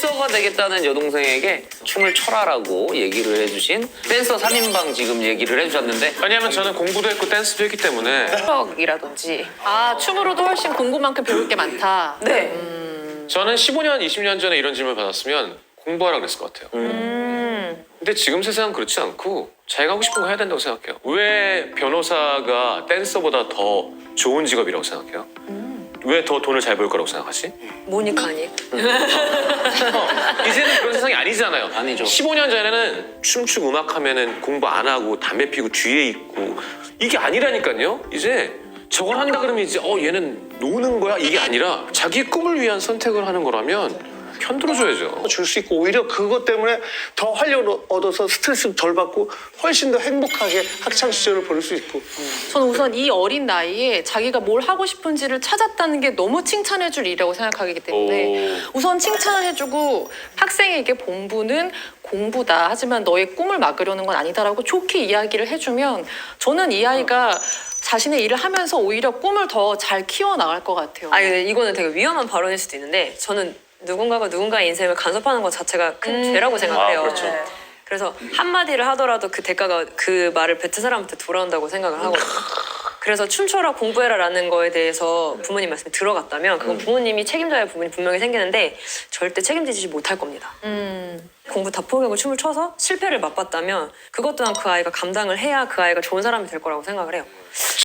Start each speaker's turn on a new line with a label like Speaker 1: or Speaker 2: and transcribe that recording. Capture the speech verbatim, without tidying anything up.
Speaker 1: 댄서가 되겠다는 여동생에게 춤을 춰라라고 얘기를 해주신 댄서 삼 인방 지금 얘기를 해주셨는데
Speaker 2: 왜냐면 저는 공부도 했고 댄스도 했기 때문에
Speaker 3: 추억이라든지.
Speaker 4: 아, 춤으로도 훨씬 공부만큼 배울 게 많다.
Speaker 3: 네.
Speaker 2: 저는 십오 년, 이십 년 전에 이런 질문을 받았으면 공부하라 그랬을 것 같아요.
Speaker 3: 음.
Speaker 2: 근데 지금 세상은 그렇지 않고 자기가 하고 싶은 거 해야 된다고 생각해요. 왜 변호사가 댄서보다 더 좋은 직업이라고 생각해요? 왜 더 돈을 잘 벌 거라고 생각하지?
Speaker 3: 모니카 아니?
Speaker 2: 어, 이제는 그런 세상이 아니잖아요.
Speaker 1: 아니죠.
Speaker 2: 십오 년 전에는 춤추고 음악하면은 공부 안 하고 담배 피고 뒤에 있고 이게 아니라니까요. 이제 저걸 한다 그러면 이제 어 얘는 노는 거야? 이게 아니라 자기 꿈을 위한 선택을 하는 거라면 편들어줘야죠.
Speaker 5: 줄 수 있고 오히려 그것 때문에 더 활력을 얻어서 스트레스 덜 받고 훨씬 더 행복하게 학창 시절을 보낼 수 있고.
Speaker 4: 저는 우선 이 어린 나이에 자기가 뭘 하고 싶은지를 찾았다는 게 너무 칭찬해줄 일이라고 생각하기 때문에
Speaker 2: 오.
Speaker 4: 우선 칭찬을 해주고 학생에게 본부는 공부다. 하지만 너의 꿈을 막으려는 건 아니다라고 좋게 이야기를 해주면 저는 이 아이가 자신의 일을 하면서 오히려 꿈을 더 잘 키워나갈 것 같아요.
Speaker 3: 아, 이거는 되게 위험한 발언일 수도 있는데 저는 누군가가 누군가의 인생을 간섭하는 것 자체가 큰
Speaker 4: 음.
Speaker 3: 죄라고 생각을 해요.
Speaker 2: 아, 그렇죠.
Speaker 3: 네. 그래서 한마디를 하더라도 그 대가가 그 말을 뱉은 사람한테 돌아온다고 생각을 하거든요. 그래서 춤춰라 공부해라라는 거에 대해서 부모님 말씀이 들어갔다면 그건 부모님이 책임져야 할 부분이 분명히 생기는데 절대 책임지지 못할 겁니다.
Speaker 4: 음.
Speaker 3: 공부 다 포기하고 춤을 춰서 실패를 맛봤다면 그것 또한 그 아이가 감당을 해야 그 아이가 좋은 사람이 될 거라고 생각을 해요.